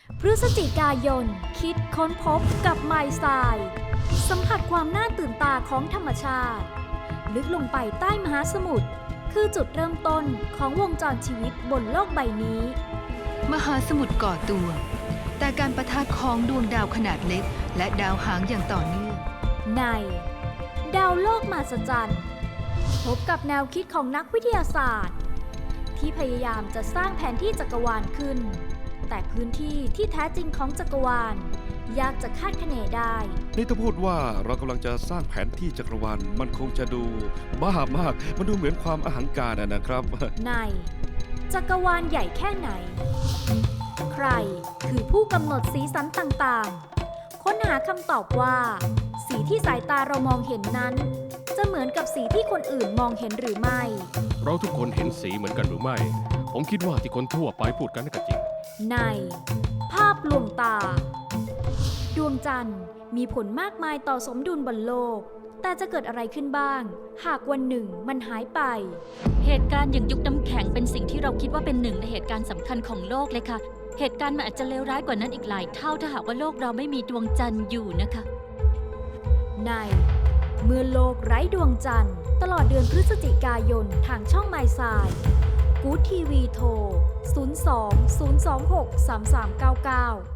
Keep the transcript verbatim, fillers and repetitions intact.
พฤศจิกายนคิดค้นพบกับไมล์ไซน์สัมผัสความน่าตื่นตาของธรรมชาติ ลึกลงไปใต้มหาสมุทรคือจุดเริ่มต้นของวงจรชีวิตบนโลกใบนี้มหาสมุทรก่อตัว แต่การประทะของดวงดาวขนาดเล็กและดาวหางอย่างต่อเนื่องในดาวโลกมหัศจรรย์พบกับแนวคิดของนักวิทยาศาสตร์ ที่พยายามจะสร้างแผนที่จักรวาลขึ้น แต่พื้นที่ที่แท้จริงของจักรวาลยากจะคาดคะเนได้นี่ถ้าพูดว่าเรากำลังจะสร้างแผนที่จักรวาลมันคงจะดูบ้ามาก มันดูเหมือนความอหังการอะนะครับในจักรวาลใหญ่แค่ไหน ใครคือผู้กำหนดสีสันต่างๆ ค้นหาคำตอบว่า สีที่สายตาเรามองเห็นนั้น จะเหมือนกับสีที่คนอื่นมองเห็นหรือไม่เราทุกคนเห็นสีเหมือนกันหรือไม่ ผมคิดว่าที่คนทั่วไปพูดกันน่าจะจริงในภาพลวงตา ดวงจันทร์มีผลมากมายต่อสมดุลบนโลก แต่จะเกิดอะไรขึ้นบ้าง หากวันหนึ่งมันหายไปเหตุการณ์อย่างยุคน้ำแข็งเป็นสิ่งที่เราคิดว่าเป็นหนึ่งในเหตุการณ์สำคัญของโลกเลยค่ะ เหตุการณ์มันอาจจะเลวร้ายกว่านั้นอีกหลายเท่าถ้าหากว่าโลกเราไม่มีดวงจันทร์อยู่นะคะในเมื่อโลกไร้ดวงจันทร์ตลอดเดือนพฤศจิกายนทางช่องไมล์ไซน์กู๊ดทีวีโทร ศูนย์ สอง ศูนย์ สอง หก สาม สาม เก้า เก้า